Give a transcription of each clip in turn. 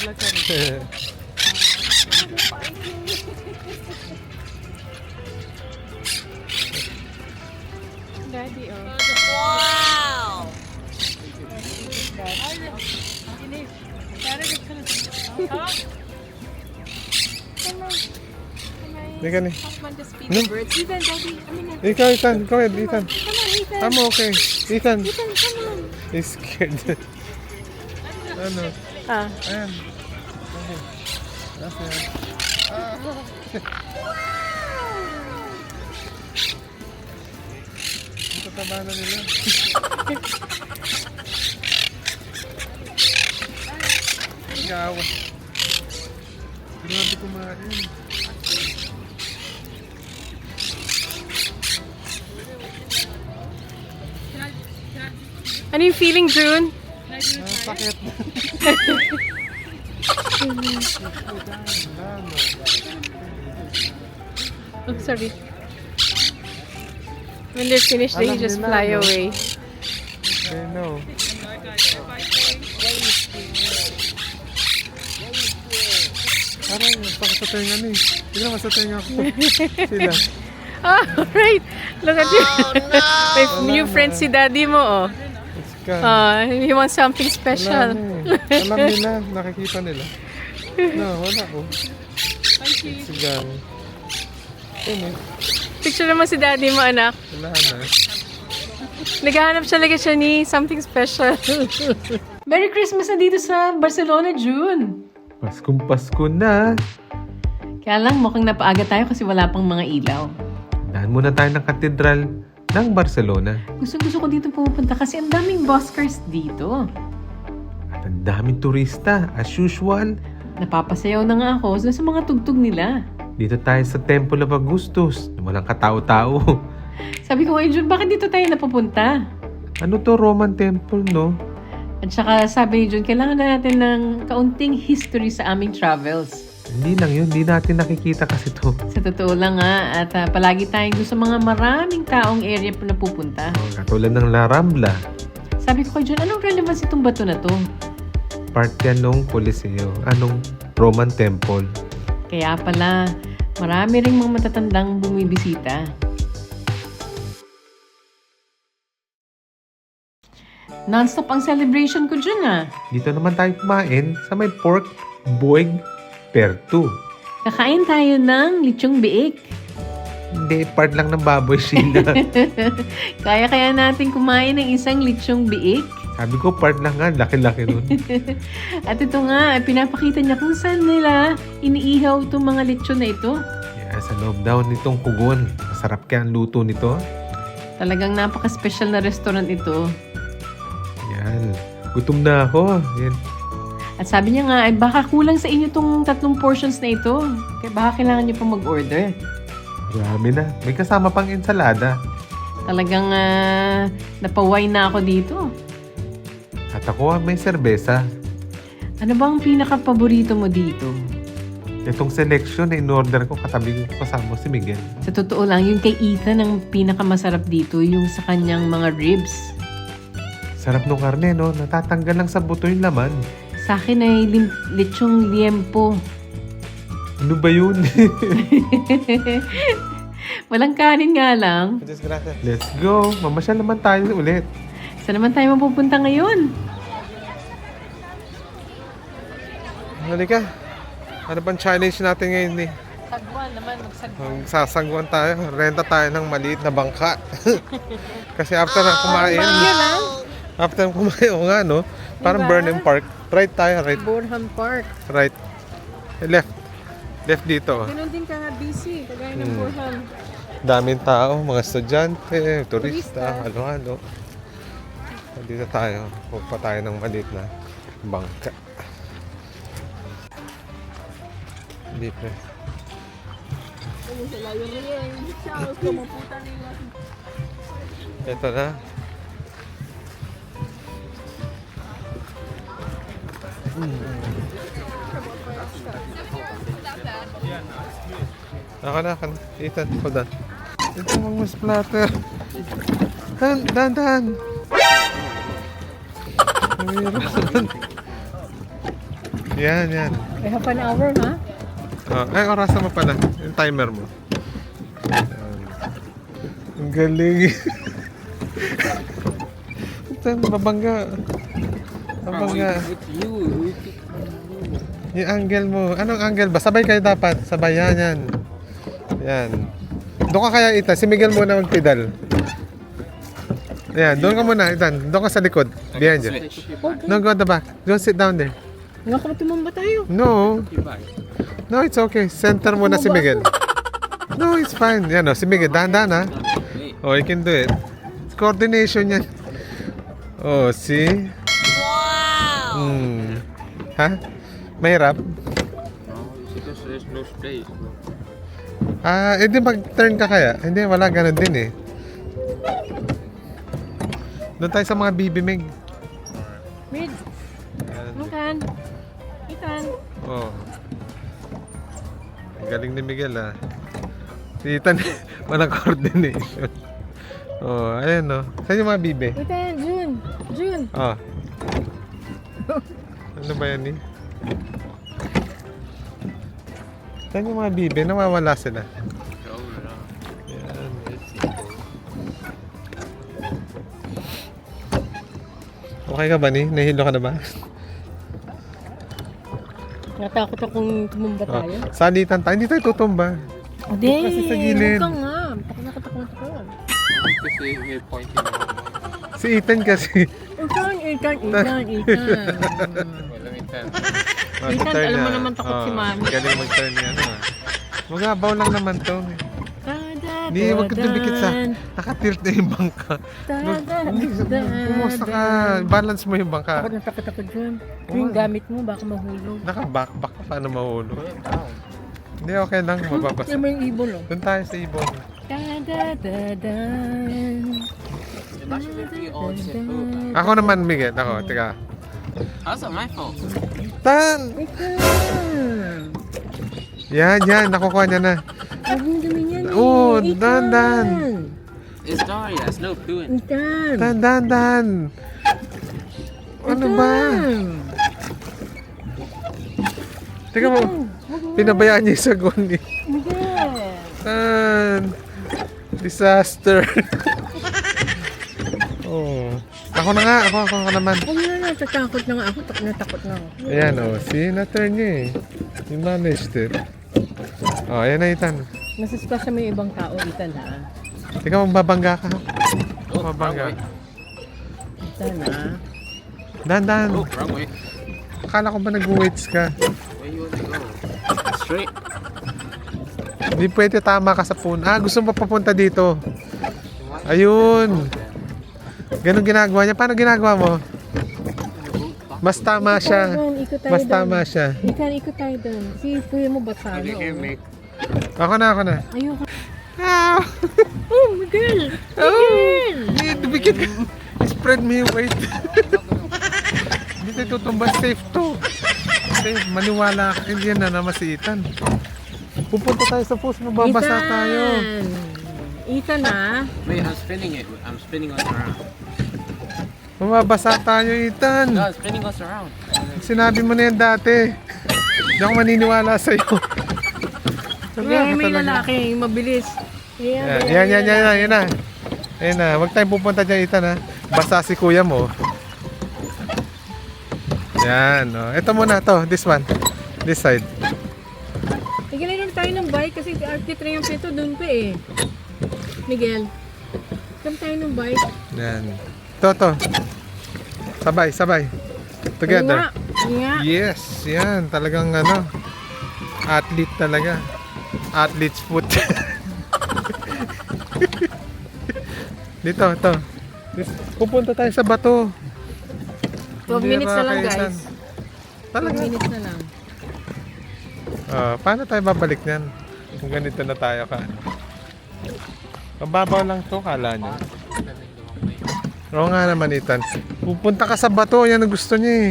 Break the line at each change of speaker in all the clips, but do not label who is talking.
Daddy, oh.
Wow!
Ika ni.
Husband just feed the birds. Ethan, Daddy. I mean,
Ikaw, Ethan. Go ahead, Ethan.
come on, Ethan.
I'm okay. Ethan.
Ethan, come on.
He's scared. Ano?
Ah.
Ayan. Okay. Ayan. Ito taba na nila. Ikaw. Grabe kumain.
Ano yung feeling, June?
Sakit.
Oh, sorry. When they're finished, they
Alam
just
nila,
fly
no?
away.
They know. Parang sakit sa tenga ni. Tignan ka sa tenga ko. Sila.
Oh, right. Look at you. May
Wala
new
na.
friend si Daddy mo, oh.
It's gone.
He wants something
Wala
special.
na eh. Alam nila. Nakikita nila. No, wala ko. It's gone. Yun eh.
Picture naman si Daddy mo, anak.
Wala na.
Naghahanap siya ni something special. Merry Christmas na dito sa Barcelona, June.
Paskong Pasko na.
Kaya lang, mukhang napaaga tayo kasi wala pang mga ilaw.
Dahan muna tayo ng katedral ng Barcelona.
Gusto ko dito pupunta kasi ang daming buskers dito.
At ang daming turista, as usual.
Napapasayaw na nga ako sa mga tugtog nila.
Dito tayo sa Temple of Augustus. Walang katao-tao.
Sabi ko, June, bakit dito tayo napupunta?
Ano to, Roman temple, no?
At saka sabi ni June, kailangan na natin ng kaunting history sa aming travels.
Hindi lang yun. Hindi natin nakikita kasi to.
Sa totoo lang nga, at palagi tayong doon sa mga maraming taong area na pupunta.
Katulad ng La Rambla.
Sabi ko kay June, anong relevance itong bato na to?
Part yan nung Coliseo. Anong Roman temple.
Kaya pala, marami ring mga matatandang bumibisita. Non-stop ang celebration ko dyan, ah.
Dito naman tayo kumain sa may pork boig pertu.
Kakain tayo ng lechong biik.
Hindi, part lang ng baboy sila.
Kaya natin kumain ng isang lechong biik.
Sabi ko, part lang nga. Laki-laki nun.
At ito nga, pinapakita niya kung saan nila iniihaw itong mga lechon na ito.
Yeah, sa loob daw nitong kugon. Masarap kaya ang luto nito.
Talagang napaka-special na restaurant ito.
Yan. Gutom na ako. Yan.
At sabi niya nga, ay baka kulang sa inyo itong 3 portions na ito. Kaya baka kailangan niyo pa mag-order.
Marami na. May kasama pang ensalada.
Talagang napaway na ako dito.
At ako may serbesa.
Ano bang pinaka-paborito mo dito?
Itong selection na in-order ko, katabi ko kasama si Miguel.
Sa totoo lang, yung kay Ethan ang pinakamasarap dito, yung sa kanyang mga ribs.
Sarap nung karne, no? Natatanggal lang sa buto yung laman.
Sa akin ay lechong liempo.
Ano ba yun?
Walang kanin nga lang.
Let's go. Mamasyal naman tayo ulit.
Saan naman tayo mapupunta ngayon?
Halika. Ano bang challenge natin ngayon ni?
Sagwan naman, magsagwan.
Sasangguan tayo. Renta tayo ng maliit na bangka. Kasi after na kumain. After na kumain, o nga, no? Parang
Diba?
Burnham Park. Right tayo, right.
Burnham Park.
Right. Left. Left dito.
Ganun din ka nga busy, kagaya ng Burnham.
Daming tao, mga estudyante, turista,
Turista.
halo-halo. Dito tayo. Pupunta tayo ng maliit na bangka. Hindi pa. Ito na. Ako na. Ethan, hold on. Ito mga splatter. Dan. Mahirap. Yan, yan.
I have an hour, ha?
Ay, orasan mo pala. Yung timer mo. Yan. Ang galing. Ito, babangga. Babangga. Yung angle mo. Anong angle ba? Sabay kayo dapat. Sabay, yan, yan. Yan. Doon ka kaya, Ethan. Si Miguel muna magpedal. Ayan, doon ka muna, Ethan. Doon ka sa likod. Behind you. No, go at the back. Don't sit down there.
Nga ka tumamba tayo.
No. No, it's okay. Center muna si Miguel. No, it's fine. Yan o, si Miguel. Dahan-dahan ha. Oh, you can do it. It's coordination yan. Oh, see?
Wow!
Ha? Mahirap?
Because there's no space.
Hindi mag-turn ka kaya? Hindi, wala. Ganun din eh. Doon tayo sa mga bibimig.
Mid. Ethan. Ethan.
Oh. Ang galing ni Miguel ah. Si Ethan, walang coordination. Oh, ayan oh. Saan yung mga bibe?
Ethan, June. June.
Oh. Ano ba yan eh? Saan yung mga bibe? Nawawala sila. Yan. Okay ka ba ni? Nahilo ka na ba?
Natakot akong tumumba tayo.
Salitan tayo. Hindi tayo tutumba.
Hindi.
Kasi sa gilid.
Huwag ka nga. Takot ako.
Kasi may pointing naman.
Si Ethan kasi.
Ethan.
Walang intent.
Ethan, alam mo naman takot si Mami.
Galing mag-turn yan. Magabaw lang naman to. Hindi, huwag ka dumikit sa... Nakatilt na yung bangka. Kumusta ka? Balance mo yung bangka.
Takot na takot ako dyan. Yung gamit mo, baka mahulog.
Naka-backpack ka. Paano mahulog? Hindi, okay lang. Mababasa.
Ano mo yung ibon, oh?
Doon tayo sa ibon. Ako naman, Miguel. Ako, teka.
How's that my fault?
Tan! Yan, yan. Nakukuha niya na.
Huwag mong gawin yan, eh.
Oo,
Ethan.
dan.
It's Daria. It's no pooing.
Ethan.
Dan. Ano ba? Teka mo. Pinabayaan niya yung sagon eh.
Miguel.
Tan. Disaster. Oh. Ako na nga. Ako naman.
Huwag na natatakot na nga ako. Natakot na ako.
Ayan oh. See, na-turn niya eh. You managed it. Oh, ayan na Ethan.
Nasisplasya mo yung ibang tao, Ethan, ha?
Teka, mababangga ka.
Oh, wrong
Mabangga.
way.
Ethan, ha?
Dan.
Oh, wrong way.
Akala ko ba nag-weights ka?
Where you want to go? Straight.
Hindi pwede tama ka sa phone. Gusto mo papunta dito. Ayun. Ganun ginagawa niya. Paano ginagawa mo? Mas tama siya.
Ikot tayo
Mas
doon.
tama siya.
Ethan, ikot tayo doon. Si kuya mo bata,
You
no?
can make.
Ako na.
Ayoko.
Ah!
Oh, Miguel! Miguel!
Hindi, dumikit ka. Spread me yung weight. Hindi tayo tutumba. Safe to. Safe. Maniwala ka. Hindi yan na naman si Ethan. Pupunta tayo sa post. Mababasa tayo.
Ethan, ha?
Wait, I'm spinning it. I'm spinning us around.
Mababasa tayo, Ethan.
No, I'm spinning us around.
Sinabi mo na yan dati. Hindi ako maniniwala sa'yo.
Ngayon may lalaki, yung mabilis.
Yan na. Ayan na. Huwag tayong pupunta dyan, Ethan, ha. Basta si kuya mo. Yan, oh. Ito muna, to. This one. This side.
Tigilan lang tayo ng bike kasi artitra yung pito doon pa eh. Miguel, come tayo ng bike.
Yan. To. Sabay. Together.
Nga.
Yes, yan. Talagang athlete talaga. Athlete's foot. Dito. Pupunta tayo sa bato.
12 minutes na lang,
Kaisan.
guys.
Talaga?
12 minutes na lang.
Paano tayo babalik niyan? Kung ganito na tayo ka. Mababaw lang to, kala nyo. Oo nga naman, Ethan. Pupunta ka sa bato, yan ang gusto niya eh.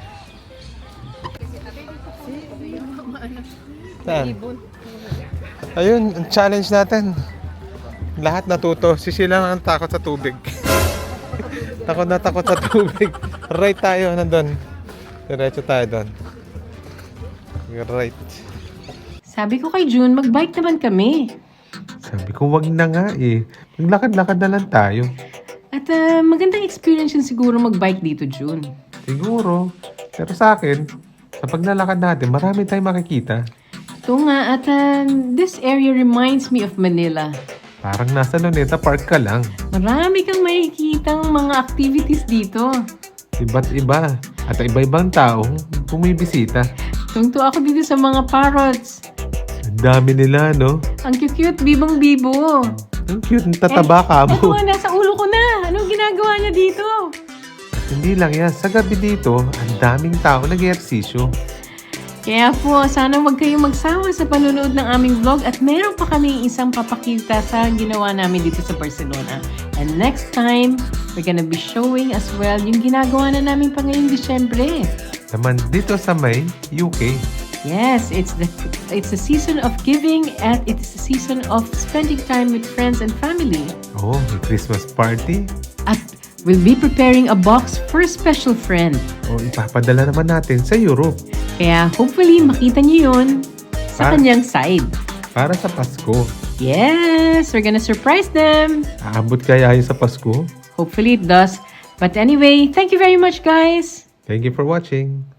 Saan? Ayun, ang challenge natin. Lahat natuto. Si Sheila ang takot sa tubig. takot sa tubig. Right tayo, nandun. Diretso tayo doon. You're right.
Sabi ko kay June, mag-bike naman kami.
Sabi ko, wag na nga eh. Maglakad-lakad na lang tayo.
At magandang experience yun siguro mag-bike dito, June.
Siguro. Pero sa akin, sa paglalakad natin, marami tayong makikita.
Ito nga, at this area reminds me of Manila.
Parang nasa Luneta Park ka lang.
Marami kang makikitang mga activities dito.
Iba't iba. At iba-ibang taong bumibisita.
Tungto ako dito sa mga parrots.
Ang dami nila, no?
Ang cute-cute, bibong-bibo.
Ang cute, ang tataba ka
Eto
mo.
nga, nasa ulo ko na. Anong ginagawa niya dito?
Hindi lang yan. Sa gabi dito, ang daming tao nag-ehersisyo.
Kaya po, sana wag kayong magsawa sa panonood ng aming vlog at meron pa kami isang papakita sa ginawa namin dito sa Barcelona. And next time, we're gonna be showing as well yung ginagawa na namin pa ngayong Disyembre.
Naman dito sa may UK.
Yes, it's the season of giving and it's the season of spending time with friends and family.
Oh, may Christmas party.
At we'll be preparing a box for a special friend.
O ipapadala naman natin sa Europe.
Kaya hopefully makita niyo yun sa
Ah.
kanyang side.
Para sa Pasko.
Yes, we're gonna surprise them.
Aabot kaya yun sa Pasko?
Hopefully it does. But anyway, thank you very much, guys.
Thank you for watching.